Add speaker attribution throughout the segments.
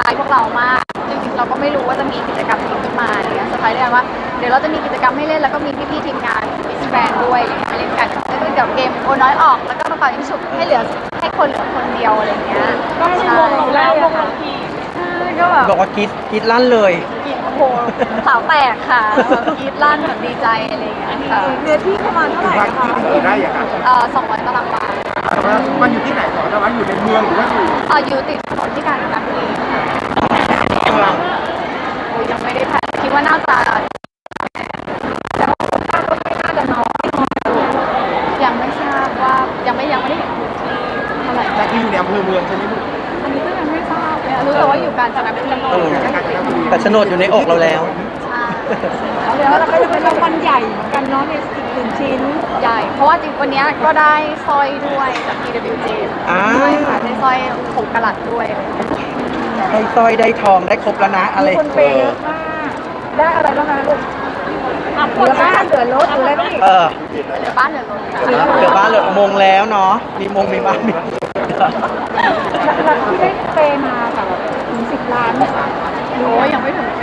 Speaker 1: พรส์พวกเรามากจริงๆเราก็ไม่รู้ว่าจะมีกิจกรรมนี้ขึ้นมาเนี่ยเซอร์ไพรส์ด้วยว่าเดี๋ยวเราจะมีกิจกรรมให้เล่นแล้วก็มีพี่ๆทีมงานมิสแกรนด้วยมาเล่นกันแล้วก็เดี๋ยวเกมโอน้อยออกแล้วก็มาเป่ายิงฉุบให้เหลือให้คนเหลือคนเดียวอะไรเงี้ย
Speaker 2: ก็ไม่วงเราแล้ววงเราที
Speaker 1: ก็แบบ
Speaker 3: บอกว่ากรีดลั่นเลย
Speaker 1: โอ้โหสาวแตกค่ะกรี๊ดลั่นแบบดีใจอะไรอย่างเงี้ยค่ะ
Speaker 2: เนื้อที่ประมาณเท่าไหร่คะ
Speaker 4: กี่ไร่อะครับ
Speaker 1: 200 ตารางวา
Speaker 4: มันอยู่ที่ไหนก่อนนะว่าอยู่ในเมืองหรือว่าอยู่
Speaker 1: อยู่ติดถนนที่กาญจนบุรีโอ้ยยังไม่ได้แพลนคิดว่าน่าจะแต่ว่าคาดว่าไม่น่าจะน้อยยังไม่ทราบว่ายังไม่ได้เห็นพื้นที่เท่าไหร่
Speaker 4: แต่ที่อยู่ในอำเภอเมืองใช่ไหมลูก
Speaker 1: อันนี้ก็ยังไม่ทราบเลยรู้แต่ว่าอยู่กาญจนบุรี
Speaker 3: แต่โฉนดอยู่ในอกเราแล้ว
Speaker 1: ใช่
Speaker 2: แล้วเราก็จะเป็นรางวัลใหญ่เหมือนกันเนาะในอีก1 ชิ้น
Speaker 1: ใหญ่เพราะว่าจริงวันนี้ก็ได้สร้อยด้วยจาก PWG ใช่ค่ะได้สร้อย6 กะรัตด้วย
Speaker 3: ได้สร้อยได้ทองได้ครบแล้วนะอะไร
Speaker 2: คนเปย์เยอะมากได้อะไรบ้างคะลูกเหลือบ้านเหลือรถเหลืออะไรบ้าง
Speaker 1: เหลือบ้านเหลือรถ
Speaker 3: เหลือบ้านเหลือมงแล้วเนาะมีมงมีบ้านมี
Speaker 2: ที่ได้เปย์มาแบบถึง10 ล้านนะคะ
Speaker 1: โอ้ยังไม่ถึง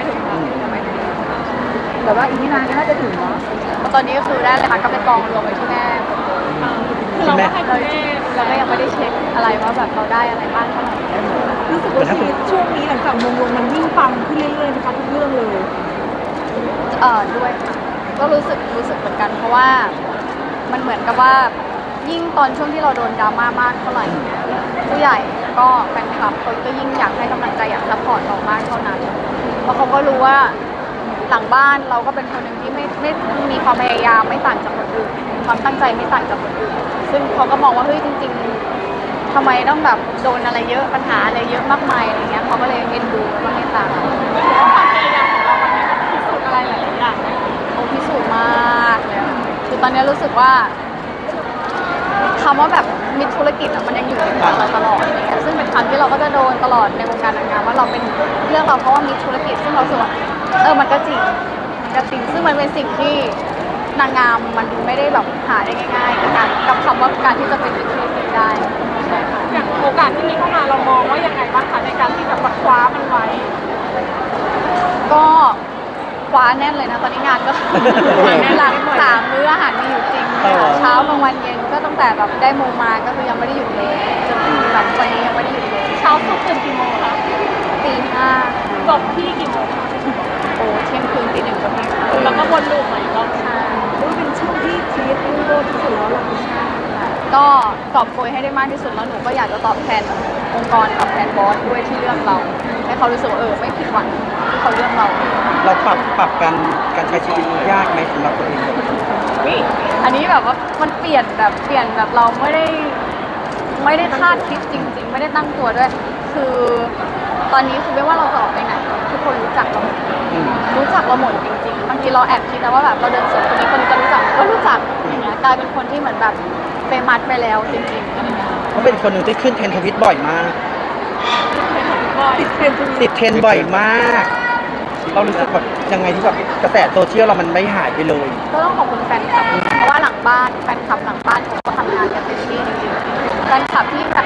Speaker 2: แต่ว่าอีกไม่นานก็น่าจะถึงเนาะ
Speaker 1: ตอนนี้ก็คือได้เลยค่ะก็เป็นกองรวมไว้ที่แม่คือเราให้คุณแม่เราก็ยังไม่ได้เช็คอะไรว่าแบบเราได้อะไรบ้างเท่าไหร่
Speaker 2: รู้สึกว่าชีวิตช่วงนี้หลังจากมงลงมันยิ่งปังขึ้นเรื่อยๆนะคะทุกเรื่องเลย
Speaker 1: ด้วยค่ะก็รู้สึกเหมือนกันเพราะว่ามันเหมือนกับว่ายิ่งตอนช่วงที่เราโดนดราม่ามากเท่าไหร่ผู้ใหญ่ก็แฟนคลับเขาก็ยิ่งอยากให้กำลังใจอยากซัพพอร์ตเรามากเท่านั้นเพราะเขาก็รู้ว่าหลังบ้านเราก็เป็นคนหนึ่งที่ไม่มีความพยายามไม่ต่างจากคนอื่นความตั้งใจไม่ต่างจากคนอื่นซึ่งเขาก็มองว่าเฮ้ยจริงๆทำไมต้องแบบโดนอะไรเยอะปัญหาอะไรเยอะมากมายอะไรเงี้ยเขาก็เลยเอ็นดูแล้วก็ให้ตามความพยายามของเราวันนี้มันพิสูจน์อะไรหลายๆอย่างโอ้พิสูจน์มากเลยคือตอนนี้รู้สึกว่าคำว่าแบบมีธุรกิจมันยังอยู่ในหัวเราตลอดอะไรเงี้ยซึ่งเป็นคำที่เราก็จะโดนตลอดในวงการนางงามว่าเราเป็นเรื่องเราเพราะว่ามีธุรกิจซึ่งเราสึกว่ามันก็จริงซึ่งมันเป็นสิ่งที่นางงามมันไม่ได้แบบหาได้ง่ายๆกับคำว่าการที่จะเป็นธุรกิจได้
Speaker 2: อย่างโอกาสที่มีเข้ามาเรามองว่ายังไงบ้างคะในการที่จะคว้ามันไว้
Speaker 1: ก็คว้าแน่นเลยนะตอนนี้งานก็หลัง3 มื้ออาหารมีอยู่จริงเช้ากลางวันเย็นก็ตั้งแต่แบบได้โมมาก็คือยังไม่ได้หยุดเลยจนถึงแบบวันนี้ยังไม่ได้หยุดเลย
Speaker 2: เช้าสุดตื่นกี่โมงคะ
Speaker 1: ตี 5
Speaker 2: จบที่กี่โมง
Speaker 1: โอ้เที่ยงคืนตี 1ก็มี
Speaker 2: แล้วก็วนลูปใหม่ก็
Speaker 1: ใช่
Speaker 2: เป็นช่วงที่ชีวิตรุ่งโรจน์ที่สุดแล้วหรอ
Speaker 1: ก็ตอบโกยให้ได้มากที่สุดแล้วหนูก็อยากจะตอบแทนองค์กรตอบแทนบอสด้วยที่เลือกเราให้เขารู้สึกว่าไม่ผิดหวังที่เขาเลือกเรา
Speaker 3: ปรับการใช้ชีวิตยากไหมสำหรับตัวเอง
Speaker 1: อันนี้แบบว่ามันเปลี่ยนแบบเราไม่ได้คาดคิดจริงๆไม่ได้ตั้งตัวด้วยคือตอนนี้คือไม่ว่าเราจะออกไปไหนทุกคนรู้จักเราหมดจริงๆบางทีเราแอบคิดนะว่าแบบเราเดินสวนคนนี้คนจะรู้จักก็รู้จักอย่างเงี้ยกลายเป็นคนที่เหมือนแบบเฟมัสไปแล้วจริงๆอะไรเงี้ย
Speaker 3: เขาเป็นคนหนึ่งที่ขึ้นเทรนด์ทวิตบ่อยมากติดเทรนด์บ่อยมากเรารู้สึกแบบยังไงที่แบบกระแสโซเชียลเรามันไม่หายไปเลย
Speaker 1: ก็ต้องขอบคุณแฟนคลับเพราะว่าหลังบ้านแฟนคลับหลังบ้านเขาก็ทำงานกันเต็มที่จริงๆแฟนคลับที่แบบ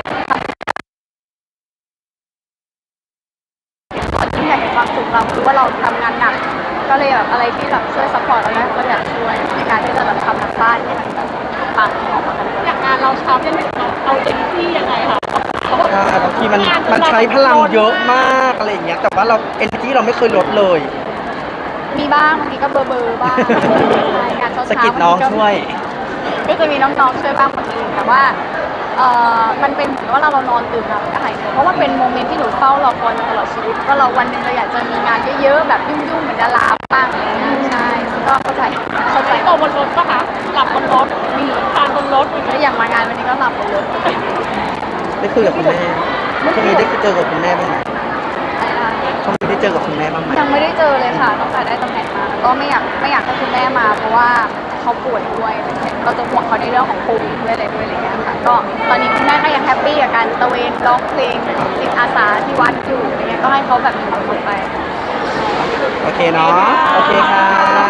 Speaker 1: ที่อยากเห็นความสุขเราคือว่าเราทำงานหนักก็เลยแบบอะไรที่แบบช่วยซัพพอร์ตเราได้ก็อยากช่วยในการที่จะแบบทำหลังบ้านให้มันแบบปังออกมากัน
Speaker 2: อย่างงานเราเช้าจนถึงเอาเต็มที่ยังไงคะ
Speaker 3: บางทีมันใช้พลังเยอะมากอะไรอย่างเงี้ยแต่ว่าเราเอเนอร์จีเราไม่เคยลดเลย
Speaker 1: มีบ้างบางทีก็เบอร์บ้างการ
Speaker 3: สกิดน้องช่วย
Speaker 1: ก็จะมีน้องๆช่วยบ้างคนอื่นแต่ว่ามันเป็นเหมือนว่าเรานอนตื่นมาก็หายเหนื่อยเพราะว่าเป็นโมเมนต์ที่หนูเฝ้ารอคอยมาตลอดชีวิตว่าเราวันหนึ่งเราอยากจะมีงานเยอะๆแบบยุ่งๆเหมือนดาราบ้างอะไรเงี้ยใช่ก็เข้าใจ
Speaker 2: ตัวบนรถปะคะหลับบนรถมีทานบนรถ
Speaker 1: แล้วอย่างมางานวันนี้ก็หลับบนรถ
Speaker 3: ได้คุยกับคุณแม่ช่วงนี้ได้เจอกับคุณแม่บ้างไหมช่วงนี้ได้เจอกับคุณแม่บ้างไหม
Speaker 1: ยังไม่ได้เจอเลยค่ะตั้งแต่ได้ตำแหน่งมาก็ไม่อยากให้คุณแม่มาเพราะว่าเขาป่วยด้วยเราจะห่วงเขาในเรื่องของโควิดด้วยอะไรอย่างเงี้ยค่ะก็ตอนนี้คุณแม่ก็ยังแฮปปี้กับการตะเวนร้องเพลงจิตอาสาที่วัดอยู่อะไรเงี้ยก็ให้เขาแบบมีความสุขไป
Speaker 3: โอเคเนาะโอเคค่ะ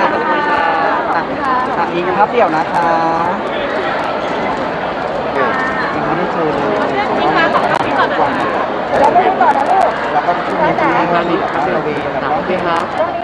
Speaker 3: อีกภาพเดี่ยวนะคะยังไม่ได้เจอเลย
Speaker 2: ก่อนนะลูก
Speaker 3: แล้วก็ช่วงนี้คุณแม่ก็มีแบบว่าระเวงแบบว่า
Speaker 2: ต้อง